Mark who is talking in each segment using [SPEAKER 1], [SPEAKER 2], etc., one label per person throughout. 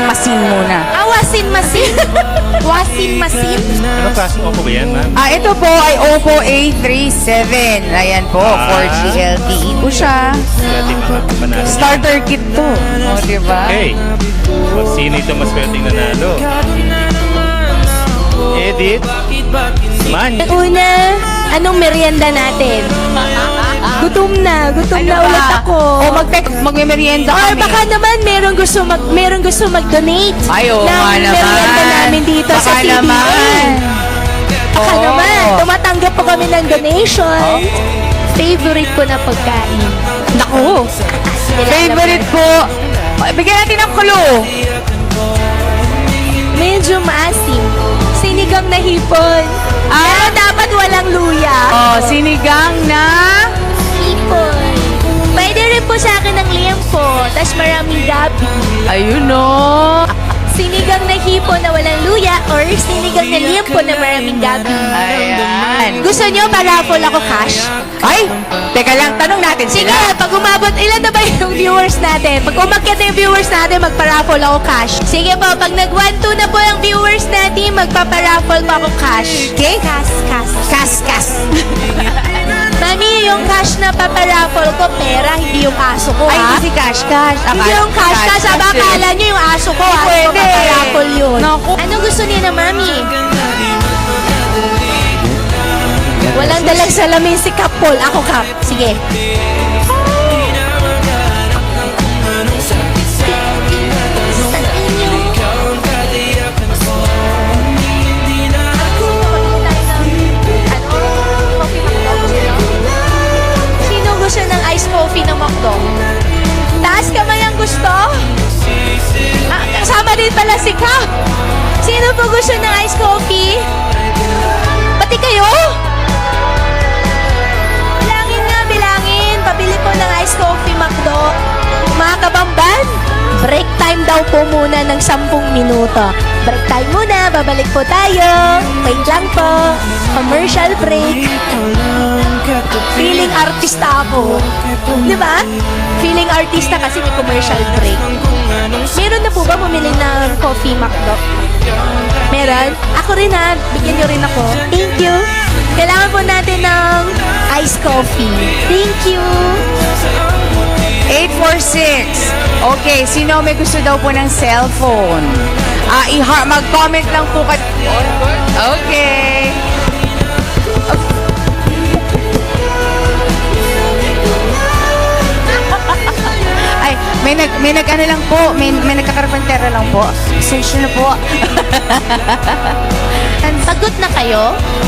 [SPEAKER 1] masin muna.
[SPEAKER 2] Wasin-masin? Wasin-masin?
[SPEAKER 3] Ano klaseng Oppo ba yan, ma'am?
[SPEAKER 1] Ito po ay Oppo A37. Ayan po, 4G LTE po siya.
[SPEAKER 3] Dati mga panalo.
[SPEAKER 1] Starter kit to. O, diba?
[SPEAKER 3] Okay. O, sino ito mas pwedeng nanalo? Edit. Man.
[SPEAKER 2] Una, anong merienda natin? Gutom na ulit ako.
[SPEAKER 1] O, magme-merienda
[SPEAKER 2] Or
[SPEAKER 1] kami.
[SPEAKER 2] baka naman merong gusto mag-donate
[SPEAKER 1] Ay, oo
[SPEAKER 2] ng
[SPEAKER 1] nga naman.
[SPEAKER 2] merienda namin dito sa
[SPEAKER 1] Baka
[SPEAKER 2] CBA.
[SPEAKER 1] naman.
[SPEAKER 2] Baka
[SPEAKER 1] Oo.
[SPEAKER 2] naman, tumatanggap po kami ng donation. Favorite ko na pagkain.
[SPEAKER 1] Naku. Favorite ko. Bigyan natin ng clue.
[SPEAKER 2] Medyo maasim. Sinigang na hipon. Pero dapat walang luya.
[SPEAKER 1] Oh, sinigang na...
[SPEAKER 2] Hipon. Pwede rin po sa akin ng liempo. Tapos maraming gabi.
[SPEAKER 1] Ayun o.
[SPEAKER 2] Sinigang na hipon na walang luya or sinigang na liempo na maraming gabi.
[SPEAKER 1] Ayan.
[SPEAKER 2] Gusto nyo pa-raffle ako cash?
[SPEAKER 1] Ay, teka lang, tanong natin
[SPEAKER 2] Sige,
[SPEAKER 1] sila.
[SPEAKER 2] pag umabot, ilan na ba yung viewers natin? Pag umakyat na yung viewers natin, magpa-raffle ako cash. Sige po, pag nag-1-2 na po yung viewers natin, magpapa-raffle po ako cash. Okay? Cash. Mami, yung cash na paparaffle ko, pera, hindi yung aso ko,
[SPEAKER 1] Ay,
[SPEAKER 2] ha?
[SPEAKER 1] hindi si Cash.
[SPEAKER 2] Hindi yung cash. Aba, akala nyo yung aso ko, aso ko,
[SPEAKER 1] Pwede.
[SPEAKER 2] paparaffle yun.
[SPEAKER 1] Naku.
[SPEAKER 2] Anong gusto niya na, Mami? Walang dalang salamin si Kapol. Ako, Kap. Sige. Sino gusto ng iced coffee ng McDo? Taas kamay ang gusto? Kasama din pala si Kap. Sino po gusto ng iced coffee? Pati kayo? Bilangin. Pabili po ng iced coffee, McDo. Mga kabamban, break time daw po muna ng 10 minuto. Break time muna, babalik po tayo. Wait lang po. Commercial break. Feeling artista ako. Di ba? Feeling artista kasi may commercial break. Meron na po ba bumili ng coffee, McDo? Meron? Ako rin ha. Bigyan nyo rin ako. Thank you. Kailangan po natin ng iced coffee. Thank you.
[SPEAKER 1] 846. Okay, sino may gusto daw po ng cellphone? Mag-comment lang po kat... Okay. Ay, may nag-ano lang po, may nagkakarpentera lang po. Search na po.
[SPEAKER 2] Pagod na kayo?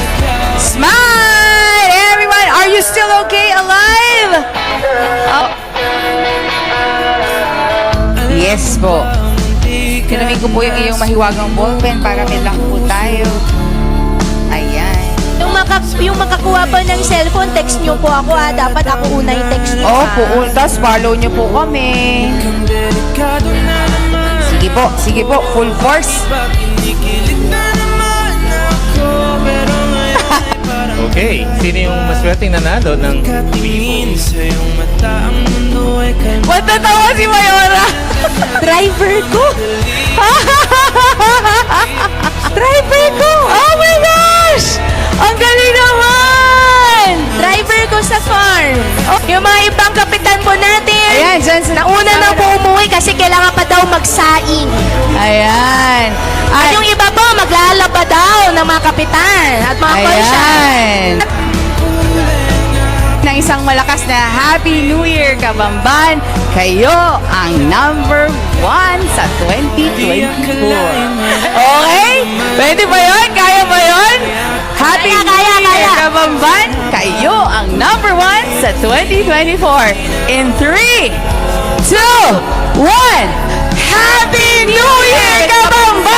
[SPEAKER 1] Smile! Everyone, are you still okay? Alive? Oh. Yes po. Kinamig ko po yung iyong mahiwagang ballpen para may lang po tayo. Ayan.
[SPEAKER 2] Yung makakuha pa ng cellphone, text nyo po ako ha. Dapat ako una yung text nyo.
[SPEAKER 1] Opo, tapos follow nyo po kami. Sige po, full force.
[SPEAKER 3] Okay. Sino yung mas pwedeng nanalo ng Vivo?
[SPEAKER 1] Matatawa si Mayora.
[SPEAKER 2] Driver ko!
[SPEAKER 1] Driver ko! Oh my gosh! Ang galing naman!
[SPEAKER 2] Driver ko sa farm. Yung mga ibang kapitan po natin.
[SPEAKER 1] Ayan, dyan sa...
[SPEAKER 2] Nauna na po umuwi kasi kailangan pa daw magsaing.
[SPEAKER 1] Ayan.
[SPEAKER 2] At yung iba po, maglalaba daw ng mga kapitan at mga konsyal.
[SPEAKER 1] Ayan. Ng isang malakas na Happy New Year, Kabamban. Kayo ang number 1 sa 2024. Okay? Pwede ba yun? Kaya ba yun? Happy
[SPEAKER 2] Kaya,
[SPEAKER 1] New
[SPEAKER 2] kaya,
[SPEAKER 1] Year,
[SPEAKER 2] kaya.
[SPEAKER 1] Kabamban. Kayo ang number 1 sa 2024. In 3, 2, 1. Happy New Year, Kabamban!